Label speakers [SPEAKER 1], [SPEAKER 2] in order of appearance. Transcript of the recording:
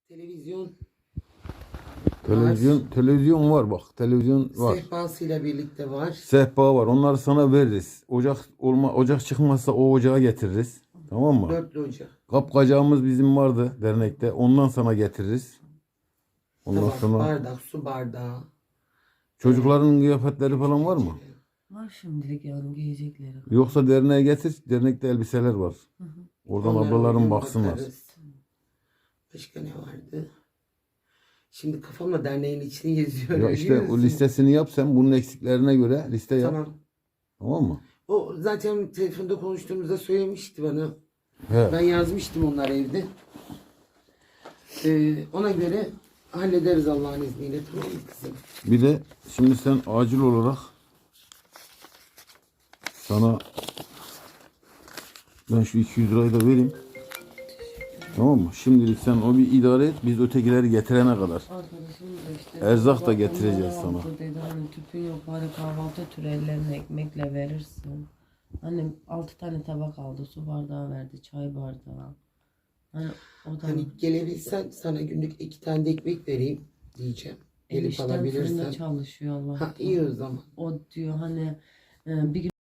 [SPEAKER 1] Televizyon
[SPEAKER 2] Televizyon var bak. Televizyon var.
[SPEAKER 1] sehpasıyla birlikte var.
[SPEAKER 2] Sehpa var. Onları sana veririz. Ocak çıkmazsa o ocağı getiririz. Tamam mı?
[SPEAKER 1] Dörtlü ocak.
[SPEAKER 2] Kapkacağımız bizim vardı dernekte. Ondan sana getiririz. Ondan
[SPEAKER 1] Tabak,
[SPEAKER 2] sonra
[SPEAKER 1] bardak, su bardağı.
[SPEAKER 2] çocukların kıyafetleri falan var mı?
[SPEAKER 3] Var şimdilik yani giyecekleri.
[SPEAKER 2] Yoksa derneğe getir. Dernekte elbiseler var. Oradan
[SPEAKER 1] Onlara
[SPEAKER 2] ablalarım
[SPEAKER 1] uygun
[SPEAKER 2] baksınlar.
[SPEAKER 1] bakarız. Başka ne vardı? Şimdi kafamla derneğin içini geziyorum.
[SPEAKER 2] Ya işte
[SPEAKER 1] biliyor
[SPEAKER 2] o
[SPEAKER 1] musun?
[SPEAKER 2] listesini yap sen. Bunun eksiklerine göre liste yap.
[SPEAKER 1] Tamam.
[SPEAKER 2] Tamam mı?
[SPEAKER 1] O zaten telefonda konuştuğumuzda söylemişti bana.
[SPEAKER 2] He.
[SPEAKER 1] Ben yazmıştım onlar evde. Ona göre hallederiz Allah'ın izniyle. Tamam mı kızım?
[SPEAKER 2] Bir de şimdi sen acil olarak sana ben şu 200 lirayı da vereyim. Tamam mı? Şimdilik sen o bir idare et. Biz ötekileri getirene kadar.
[SPEAKER 3] Arkadaşım da işte.
[SPEAKER 2] Erzak da
[SPEAKER 3] bak,
[SPEAKER 2] getireceğiz
[SPEAKER 3] onlara
[SPEAKER 2] sana.
[SPEAKER 3] aldı dedi, hani tüpün yok bari kahvaltı türü ellerine ekmekle verirsin. Annem 6 tane tabak aldı, su bardağı verdi, çay bardağı. Hani o da
[SPEAKER 1] Hani gelebilsen sana günlük 2 tane de ekmek vereyim diyeceğim. Gelip
[SPEAKER 3] enişten fırında
[SPEAKER 1] alabilirsen.
[SPEAKER 3] çalışıyor Allah.
[SPEAKER 1] Ha iyi o zaman.
[SPEAKER 3] O diyor hani bir gün